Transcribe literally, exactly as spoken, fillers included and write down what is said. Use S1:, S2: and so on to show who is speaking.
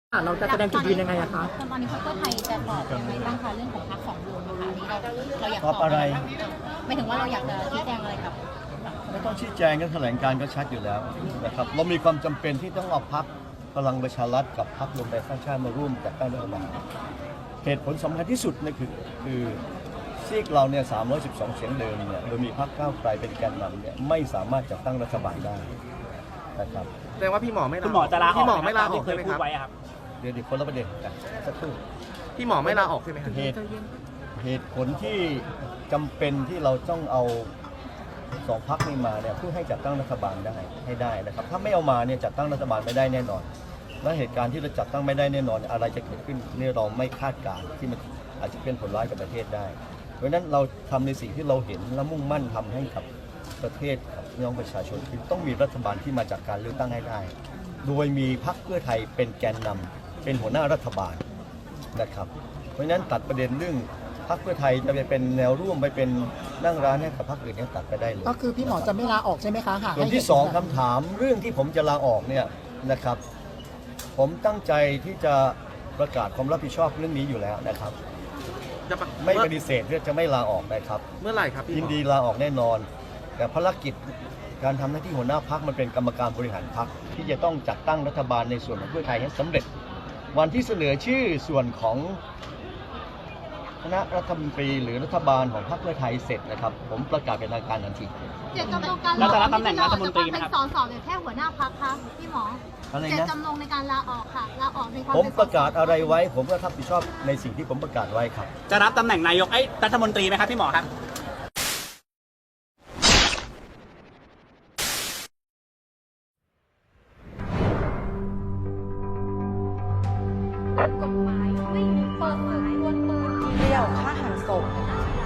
S1: ค่ะเราจะแสดงจุดยืนยังไงอะคะ
S2: ตอนนี้พรรคเพื่อไทยจะตอบยังไงบ้างคะเรื่องของพรรคสองลุงนะคะนี่เราเราอยาก
S3: ตอบอะไร
S2: ไม่ถึงว่าเราอยากจะชี้แจงอะไรกับ
S3: ไม่ต้องชี้แจงกันแถลงการก็ชัดอยู่แล้วนะครับเรามีความจำเป็นที่ต้องเอาพรรคพลังประชารัฐกับพรรครวมไทยสร้างชาติมาร่วมจัดตั้งรัฐบาลเหตุผลสำคัญที่สุดนั่นคือคือซีกเราเนี่ยสามร้อยสิบสองเสียงเดิมเนี่ยโดยมีพรรคก้าวไกลเป็นแกนนำเนี่ยไม่สามารถจัดตั้งรัฐบาลได้นะครับ
S4: แสดงว่าพี่หมอไม่ลา
S5: คุณหมอจะลาออก
S4: พี่หมอไม่ลาออก
S5: ที่เค
S4: ใช่
S5: ย
S4: ไหม
S5: พู
S4: ค
S5: ด
S4: รับ
S5: ไว้อะครับ
S3: เดี๋ยวเดี๋ยวคนละประเด็นกันสักครู่
S4: พี่หมอไม่ลาออกใช่ไหมครับ
S3: เหตุเหตุผลที่จำเป็นที่เราต้องเอาสองพรรคนี้มาเนี่ยเพื่อให้จัดตั้งรัฐบาลได้ให้ได้นะครับถ้าไม่เอามาเนี่ยจัดตั้งรัฐบาลไม่ได้แน่นอนและเหตุการณ์ที่เราจัดตั้งไม่ได้แน่นอนอะไรจะเกิดขึ้นเนี่ยเราไม่คาดการณ์ที่มันอาจจะเป็นผลร้ายกับประเทศได้เพราะฉะนั้นเราทำในสิ่งที่เราเห็นและมุ่งมั่นทำให้กับประเทศกับพี่น้องประชาชนคือต้องมีรัฐบาลที่มาจากการเลือกตั้งให้ได้โดยมีพรรคเพื่อไทยเป็นแกนนำเป็นหัวหน้ารัฐบาลนะครับเพราะฉะนั้นตัดประเด็นเรื่องพรรคเพื่อไทยจะไปเป็นแนวร่วมไปเป็นนั่งร้านให้กับพรรคอื่นเนี่ยตัดไปได้เลย
S1: ก็คือพี่หมอจะไม่ลาออกใช่ไหมคะหาก
S3: ส่วนที่สองคำถามเรื่องที่ผมจะลาออกเนี่ยนะครับ ผมตั้งใจที่จะประกาศความรับผิดชอบเรื่องนี้อยู่แล้วนะครับ
S4: จะปะ
S3: ไม่ปฏิเสธที่จะไม่ลาออกนะครับ
S4: เมื่อไหร่ครับพี่หมอ
S3: ยินดีลาออกแน่นอน แต่ภารกิจการทำหน้าที่หัวหน้าพรรคมันเป็นกรรมการบริหารพรรคที่จะต้องจัดตั้งรัฐบาลในส่วนของเพื่อไทยให้สำเร็จ วันที่เสนอชื่อส่วนของคณะรัฐมนตรีหรือรัฐบาลของพรรคเพื่อไทยเสร็จนะครับ ผมประกาศเป็นทางการทันที
S6: เจตจำนงการ
S5: แล้ว
S6: ลา
S5: จะ
S6: อ
S5: รั
S6: อบ ก
S5: ตำแหน่งรัฐมนตรีไหม
S6: เป็น
S5: ครับ
S6: สสหรือแค่หัวหน้าพักคะพี่หมอ
S3: อะไร
S6: เจต
S3: นะ
S6: จำนงในการลาออกค่ะลาออกในความ
S3: ผม
S6: เป็นสส
S3: ประกาศอะไรไว้ ผมก็รับผิดชอบในสิ่งที่ผมประกาศไว้ครับ
S5: จะรับตำแหน่งนายกไอ้ยรัฐมนตรีไหมครับพี่หมอครับ
S7: กฎหมายไม่มีเปิดเผยวนปืนเดียวฆ่าหันศพ